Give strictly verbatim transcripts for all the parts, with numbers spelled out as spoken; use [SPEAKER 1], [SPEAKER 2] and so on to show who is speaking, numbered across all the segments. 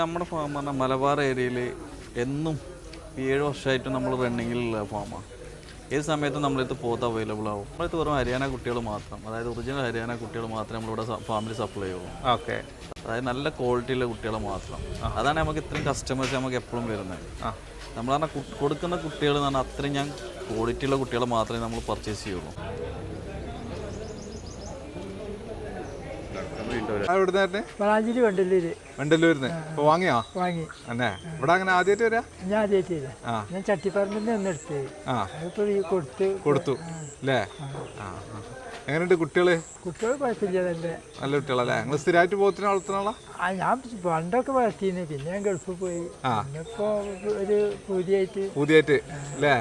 [SPEAKER 1] നമ്മുടെ ഫാം പറഞ്ഞാൽ മലബാർ ഏരിയയിൽ എന്നും ഏഴ് വർഷമായിട്ട് നമ്മൾ റണ്ണിങ്ങിലുള്ള ഫാമാണ്. ഏത് സമയത്തും നമ്മളടുത്ത് പോത്ത് അവൈലബിൾ ആവും. നമ്മളടുത്ത് വെറും ഹരിയാന കുട്ടികൾ മാത്രം, അതായത് ഒറിജിനൽ ഹരിയാന കുട്ടികൾ മാത്രമേ നമ്മളിവിടെ ഫാമിൽ സപ്ലൈ ചെയ്യുള്ളൂ.
[SPEAKER 2] ഓക്കെ,
[SPEAKER 1] അതായത് നല്ല ക്വാളിറ്റിയുള്ള കുട്ടികൾ മാത്രം. അതാണ് നമുക്ക് ഇത്രയും കസ്റ്റമേഴ്സ് നമുക്ക് എപ്പോഴും വരുന്നത്. നമ്മൾ പറഞ്ഞാൽ കൊടുക്കുന്ന കുട്ടികൾ എന്ന് പറഞ്ഞാൽ അത്രയും ഞാൻ ക്വാളിറ്റിയുള്ള കുട്ടികളെ മാത്രമേ നമ്മൾ പർച്ചേസ് ചെയ്യുള്ളൂ.
[SPEAKER 2] വണ്ടല്ലൂരിന്ന് ഇപ്പൊ വാങ്ങിയോ?
[SPEAKER 3] വാങ്ങി.
[SPEAKER 2] അന്നെ ഇവിടെ അങ്ങനെ ആദ്യമായിട്ട് വരാ?
[SPEAKER 3] ഞാൻ ആദ്യമായിട്ട് വരാം. ഞാൻ ചട്ടിപ്പറമ്പിന്റെ ഒന്ന് എടുത്ത് കൊടുത്തു
[SPEAKER 2] കൊടുത്തു അല്ലേ? എങ്ങനെയുണ്ട് കുട്ടികള്?
[SPEAKER 3] കുട്ടികൾ കുഴപ്പമില്ല,
[SPEAKER 2] നല്ല കുട്ടികളല്ലേ? നിങ്ങൾ സ്ഥിരമായിട്ട് പോത്തിനെ വളർത്തുന്ന?
[SPEAKER 3] ഞാൻ പണ്ടൊക്കെ വളർത്തിന്ന്, പിന്നെ ഞാൻ ഗൾഫിൽ പോയി. ഇപ്പൊ ഒരു പുതിയായിട്ട്
[SPEAKER 2] പുതിയായിട്ട് അല്ലേ?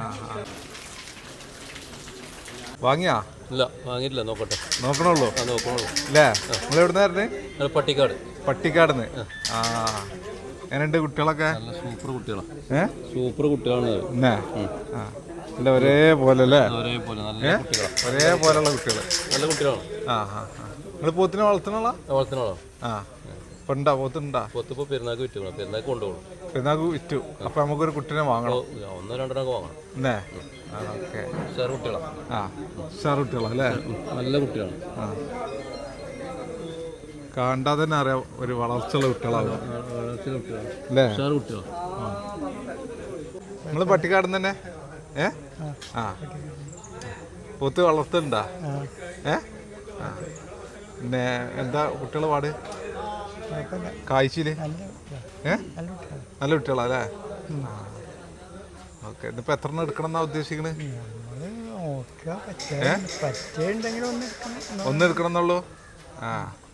[SPEAKER 2] വാങ്ങിയാ?
[SPEAKER 4] ഇല്ല, വാങ്ങിയിട്ടില്ല. നോക്കട്ടെ.
[SPEAKER 2] നോക്കണുള്ളൂ
[SPEAKER 4] നോക്കണുള്ളൂ
[SPEAKER 2] അല്ലേ? നിങ്ങൾ എവിടുന്നായിരുന്നേ?
[SPEAKER 4] പട്ടിക്കാട്.
[SPEAKER 2] പട്ടിക്കാടുന്ന്. ആ, എങ്ങനെയുണ്ട് കുട്ടികളൊക്കെ?
[SPEAKER 4] നല്ല സൂപ്പർ കുട്ടികളാണ്.
[SPEAKER 2] ഏ
[SPEAKER 4] സൂപ്പർ കുട്ടികളാണ്.
[SPEAKER 2] അല്ല ഒരേപോലെ അല്ലേ?
[SPEAKER 4] ഒരേപോലെ നല്ല കുട്ടികളാണ്.
[SPEAKER 2] ഒരേപോലെയുള്ള കുട്ടികൾ, നല്ല
[SPEAKER 4] കുട്ടികളാണ്.
[SPEAKER 2] ആ ആ നിങ്ങൾ പോത്തിനെ വളർത്തണോളാ?
[SPEAKER 4] വളർത്തണോളോ?
[SPEAKER 2] ആ, ഇപ്പൊ ഉണ്ടാ പോത്തുണ്ടാ?
[SPEAKER 4] പോത്ത് ഇപ്പോൾ പെരുന്നാൾക്ക് വിറ്റു. പെരുന്നാൾക്ക് കൊണ്ടുപോകും.
[SPEAKER 2] പെരുന്നാൾക്ക് വിറ്റു. അപ്പൊ നമുക്കൊരു കുട്ടിനെ വാങ്ങണം.
[SPEAKER 4] ഒന്നോ രണ്ടെണ്ണമൊക്കെ വാങ്ങണം.
[SPEAKER 2] എന്നേ? ഓക്കെ,
[SPEAKER 4] ഉഷാർ കുട്ടികളാണ്.
[SPEAKER 2] ആ, ഉഷാർ കുട്ടികളാണ് അല്ലേ? നല്ല
[SPEAKER 4] കുട്ടികളാണ്.
[SPEAKER 2] ആ, കണ്ടാൽ തന്നെ അറിയാം ഒരു വളർച്ചയുള്ള കുട്ടികളാണ് അല്ലേ? നിങ്ങൾ പട്ടിക്കാട് തന്നെ? ഏ ആ, പോത്ത് വളർത്തുന്നുണ്ടാ? ഏ ആ, പിന്നെ എന്താ കുട്ടികളെ പാട്? കാഴ്ചയില് ഏ നല്ല കുട്ടികളാ അല്ലേ? ഓക്കെ, ഇതിപ്പോ എത്ര എണ്ണം എടുക്കണം എന്നാ ഉദ്ദേശിക്കണേ? ഒന്ന് എടുക്കണം എന്നുള്ളൂ. ആ,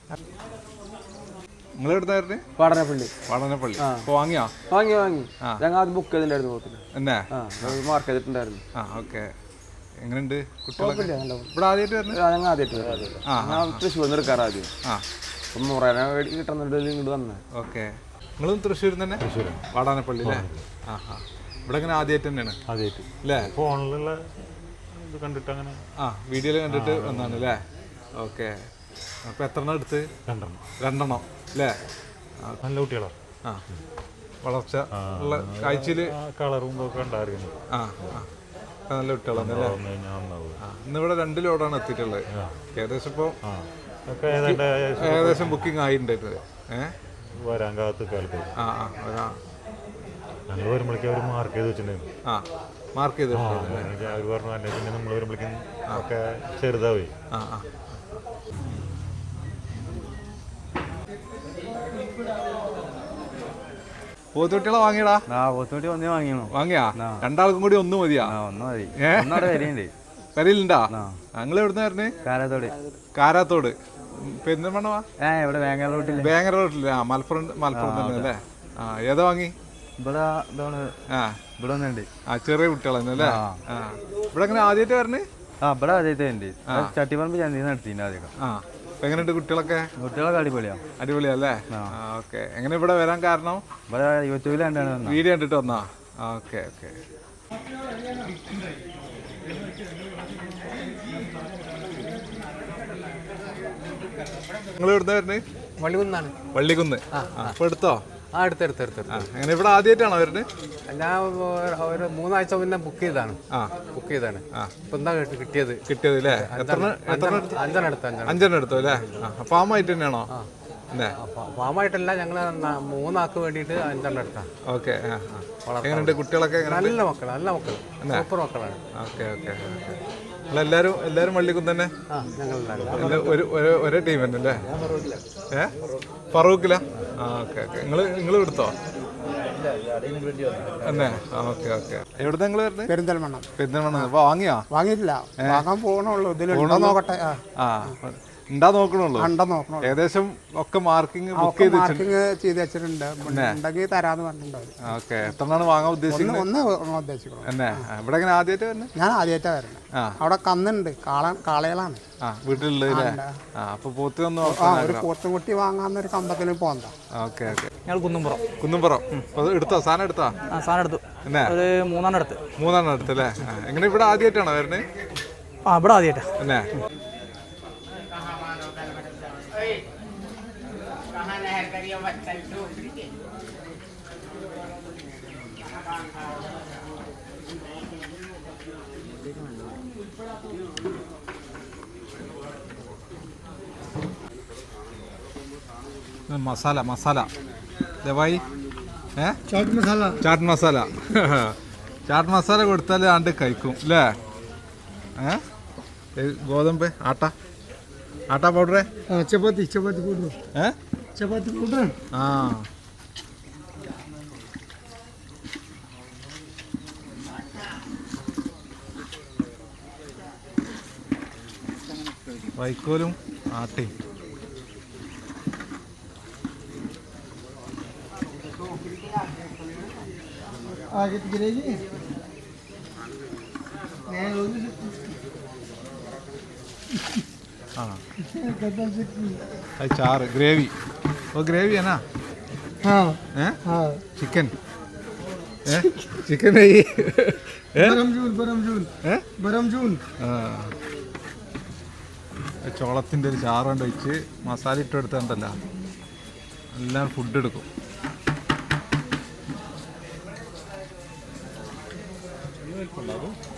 [SPEAKER 2] നിങ്ങൾ എടുത്തായിരുന്നു?
[SPEAKER 5] വാടനപ്പള്ളി.
[SPEAKER 2] വാടനപ്പള്ളി. ഇപ്പൊ വാങ്ങിയോ?
[SPEAKER 5] വാങ്ങി വാങ്ങി ഞങ്ങൾ ആദ്യം ബുക്ക് ചെയ്തിട്ടുണ്ടായിരുന്നു പോത്തിന്.
[SPEAKER 2] എന്നാ
[SPEAKER 5] മാർക്ക് ചെയ്തിട്ടുണ്ടായിരുന്നു.
[SPEAKER 2] ആ, ഓക്കെ. എങ്ങനെയുണ്ട് കുട്ടികളൊക്കെ? ഇവിടെ ആദ്യമായിട്ട് വരുന്നത്?
[SPEAKER 5] ഞങ്ങൾ ആദ്യമായിട്ട് ഞാൻ തൃശ്ശൂർ നിന്ന് എടുക്കാറ് ആദ്യം.
[SPEAKER 2] ആ,
[SPEAKER 5] ഒന്ന് നൂറേനെ കിട്ടുന്നുണ്ട് ഇങ്ങോട്ട് വന്നത്.
[SPEAKER 2] ഓക്കെ. നിങ്ങളും തൃശ്ശൂർ തന്നെ? തൃശ്ശൂർ വാടാനപ്പള്ളി അല്ലേ? ആ ആ, ഇവിടെ അങ്ങനെ ആദ്യമായിട്ട് തന്നെയാണ്?
[SPEAKER 6] ആദ്യമായിട്ട്
[SPEAKER 2] അല്ലേ?
[SPEAKER 6] ഫോണിലുള്ള ഇത് കണ്ടിട്ട് അങ്ങനെ.
[SPEAKER 2] ആ, വീഡിയോയിൽ കണ്ടിട്ട് വന്നാണ് അല്ലേ? ഓക്കെ. അപ്പോൾ എത്ര എണ്ണം എടുത്ത്?
[SPEAKER 6] രണ്ടെണ്ണം.
[SPEAKER 2] രണ്ടെണ്ണം അല്ലേ?
[SPEAKER 6] നല്ല കുട്ടികളാണ്.
[SPEAKER 2] ആ, വളർച്ച ഉള്ള കാഴ്ചയിൽ
[SPEAKER 6] കളറും ഇതൊക്കെ ഉണ്ടായിരുന്നു.
[SPEAKER 2] ആ ആ, നല്ല കുട്ടികളാണ് അല്ലേ? ആ, ഇന്നിവിടെ രണ്ട് ലോഡാണ് എത്തിയിട്ടുള്ളത്. ഏകദേശം ഇപ്പോൾ ഏകദേശം ബുക്കിംഗ് ആയിട്ടുണ്ടായിരുന്നത്. ഏഹ്
[SPEAKER 6] വരാൻ കാത്ത് കാലത്ത്
[SPEAKER 2] ആ ആ വരാ
[SPEAKER 6] ഞങ്ങൾ വരുമ്പോഴേക്കും അവർ മാർക്ക് ചെയ്ത് വെച്ചിട്ടുണ്ടായിരുന്നു.
[SPEAKER 2] ആ, മാർക്ക് ചെയ്ത്
[SPEAKER 6] അവർ പറഞ്ഞു അല്ലെ പിന്നെ നമ്മൾ വരുമ്പോഴേക്കും ഒക്കെ ചെറുതാവേ.
[SPEAKER 2] ആ ആ, പോത്തുകുട്ടികളെ വാങ്ങിയടാ?
[SPEAKER 5] പോത്തുകുട്ടി ഒന്നേ വാങ്ങിയോ?
[SPEAKER 2] വാങ്ങിയാ? രണ്ടാൾക്കും കൂടി ഒന്ന് മതിയാ?
[SPEAKER 5] ഒന്ന് മതി.
[SPEAKER 2] വരയിലുണ്ടാ? ഞങ്ങൾ എവിടുന്നായിരുന്നു?
[SPEAKER 5] കാരാത്തോട്.
[SPEAKER 2] കാരാത്തോട് പെരിന്തൽമണ്ണ?
[SPEAKER 5] ഇവിടെ വേങ്ങര റോട്ടിൽ.
[SPEAKER 2] വേങ്ങര റോട്ടില്. ആ, മലപ്പുറം മലപ്പുറം തന്നെ അല്ലേ? ആ, ഏതാ വാങ്ങി?
[SPEAKER 5] ഇവിടെ
[SPEAKER 2] ആ,
[SPEAKER 5] ഇവിടെ ഒന്നുണ്ട്.
[SPEAKER 2] ആ, ചെറിയ കുട്ടികളല്ലേ അല്ലേ? ആ, ഇവിടെ എങ്ങനെ ആദ്യമായിട്ട് വരണേ?
[SPEAKER 5] ആ, ഇവിടെ ആദ്യമായിട്ട് ഉണ്ട്. ചട്ടിപ്പറമ്പ് ചന്തി നടത്തിൻ്റെ ആദ്യം.
[SPEAKER 2] ആ, എങ്ങനെയുണ്ട് കുട്ടികളൊക്കെ?
[SPEAKER 5] കുട്ടികളൊക്കെ അടിപൊളിയാ.
[SPEAKER 2] അടിപൊളിയാ അല്ലേ? ഓക്കെ. എങ്ങനെ ഇവിടെ വരാൻ കാരണം?
[SPEAKER 5] ഇവിടെ യൂട്യൂബിൽ കണ്ടാണ്
[SPEAKER 2] വീഡിയോ കണ്ടിട്ട് വന്നാ? Okay okay. നിങ്ങൾ എവിടുന്ന വരുന്നത്?
[SPEAKER 5] വള്ളിക്കുന്നാണ്.
[SPEAKER 2] വള്ളിക്കുന്ന്. അപ്പൊ എടുത്തോ?
[SPEAKER 5] ആ, എടുത്തെടുത്തെടുത്ത്.
[SPEAKER 2] എങ്ങനെ ഇവിടെ ആദ്യമായിട്ടാണോ വരുന്നത്?
[SPEAKER 5] ഞാൻ ഒരു മൂന്നാഴ്ച മുന്നേ ബുക്ക് ചെയ്താണ്. ആ, ബുക്ക് ചെയ്താണ്. ഇപ്പൊ എന്താ കിട്ടിയത്?
[SPEAKER 2] കിട്ടിയത് അല്ലേ? എത്ര
[SPEAKER 5] അഞ്ചെണ്ണം എടുത്തു.
[SPEAKER 2] അഞ്ചെണ്ണം എടുത്തു അല്ലേ? ഫാമായിട്ട് തന്നെയാണോ?
[SPEAKER 5] ഫാമായിട്ടല്ല, ഞങ്ങൾ മൂന്നാൾക്ക് വേണ്ടിയിട്ട് അഞ്ചെണ്ണം എടുത്താ.
[SPEAKER 2] ഓക്കെ. എങ്ങനെയുണ്ട് കുട്ടികളൊക്കെ?
[SPEAKER 5] നല്ല മക്കൾ, നല്ല മക്കൾ, സൂപ്പർ മക്കളാണ്.
[SPEAKER 2] Okay okay. നിങ്ങളെല്ലാരും എല്ലാരും വള്ളിക്കുന്ന് തന്നെ? ഒരേ ടീം തന്നെ അല്ലേ? ഏ ഫറൂഖിലാ? ആ, ഓക്കെ ഓക്കെ. നിങ്ങൾ നിങ്ങൾ എടുത്തോ തന്നെ? Okay okay. എവിടെ നിങ്ങൾ വരുന്നത്?
[SPEAKER 3] പെരിന്തൽമണ്ണ.
[SPEAKER 2] പെരിന്തൽമണ്ണ. അപ്പൊ വാങ്ങിയാ?
[SPEAKER 3] വാങ്ങിയിട്ടില്ല, വാങ്ങാൻ പോകണുള്ളൂ. ഇതിലുണ്ടോ നോക്കട്ടെ.
[SPEAKER 2] ആ, ഉണ്ടാ നോക്കണുള്ളൂ. ഏകദേശം ഒക്കെ മാർക്കിംഗ് ബുക്ക് ചെയ്ത്
[SPEAKER 3] ചെയ്ത് വെച്ചിട്ടുണ്ട്. ഉണ്ടെങ്കിൽ തരാന്ന് പറഞ്ഞിട്ടുണ്ടാവും.
[SPEAKER 2] ഓക്കെ. എത്രണ്ണാണ് വാങ്ങാൻ ഉദ്ദേശിക്കുന്നത്?
[SPEAKER 3] ഒന്ന് ഉദ്ദേശിക്കണം.
[SPEAKER 2] എന്നെ ഇവിടെ എങ്ങനെ ആദ്യമായിട്ട് വരുന്നത്?
[SPEAKER 3] ഞാൻ ആദ്യമായിട്ടാ വരുന്നത്. അവിടെ കന്നുണ്ട്, കാള കാളകളാണ്.
[SPEAKER 2] ആ, വീട്ടിലുള്ളത്. ആ, അപ്പൊ പോത്തിനൊന്നും
[SPEAKER 3] ഒരു പോത്തുംകുട്ടി വാങ്ങാന്നൊരു കമ്പത്തിന് പോകണ്ട.
[SPEAKER 2] Okay okay.
[SPEAKER 5] ഞങ്ങൾ കുന്നുംപുറം.
[SPEAKER 2] കുന്നുംപുറം എടുത്തോ? സാധനം എടുത്താ?
[SPEAKER 5] സാധനം എടുത്തു.
[SPEAKER 2] എന്നാ
[SPEAKER 5] ഒരു മൂന്നെണ്ണം എടുത്ത്.
[SPEAKER 2] മൂന്നെണ്ണം എടുത്തല്ലേ? എങ്ങനെ ഇവിടെ ആദ്യമായിട്ടാണോ വരുന്നത്?
[SPEAKER 5] ആ, ഇവിടെ ആദ്യമായിട്ടാ.
[SPEAKER 2] എന്നാ
[SPEAKER 7] कहाँ नहर करिए बच्चा
[SPEAKER 2] മസാല മസാല ദവായി ഏ
[SPEAKER 3] ചാട്ട് മസാല
[SPEAKER 2] ചാട്ട് മസാല ചാട്ട് മസാല കൊടുത്താൽ ആണ്ട് കഴിക്കും അല്ലേ? ഏ ഗോതമ്പ് ആട്ട ആട്ട പൗഡറേ
[SPEAKER 3] ചപ്പാത്തി ചപ്പാത്തി പൗഡർ
[SPEAKER 2] ഏ
[SPEAKER 3] ചപ്പാത്തി പൗഡർ
[SPEAKER 2] ആ വൈക്കോലും ആട്ടയും
[SPEAKER 3] आगे तो गिरेगी नहीं होगी
[SPEAKER 2] ആ
[SPEAKER 3] कदम से की
[SPEAKER 2] അത് ചാറ് ഗ്രേവി ഓ ഗ്രേവി ആണ്
[SPEAKER 3] हाँ
[SPEAKER 2] ഏ
[SPEAKER 3] हाँ
[SPEAKER 2] ചിക്കൻ ഏ ചിക്കൻ നെയ്യ് ഏ
[SPEAKER 3] बरम जून बरम जून
[SPEAKER 2] ഏ
[SPEAKER 3] बरम जून
[SPEAKER 2] ആ ചോളത്തിൻ്റെ ഒരു ചാറ് കൊണ്ട് വെച്ച് മസാല ഇട്ട് എടുത്തിട്ടുണ്ടല്ലോ എല്ലാം ഫുഡ് എടുക്കും.
[SPEAKER 6] വലിപ്പമുണ്ടോ അത്?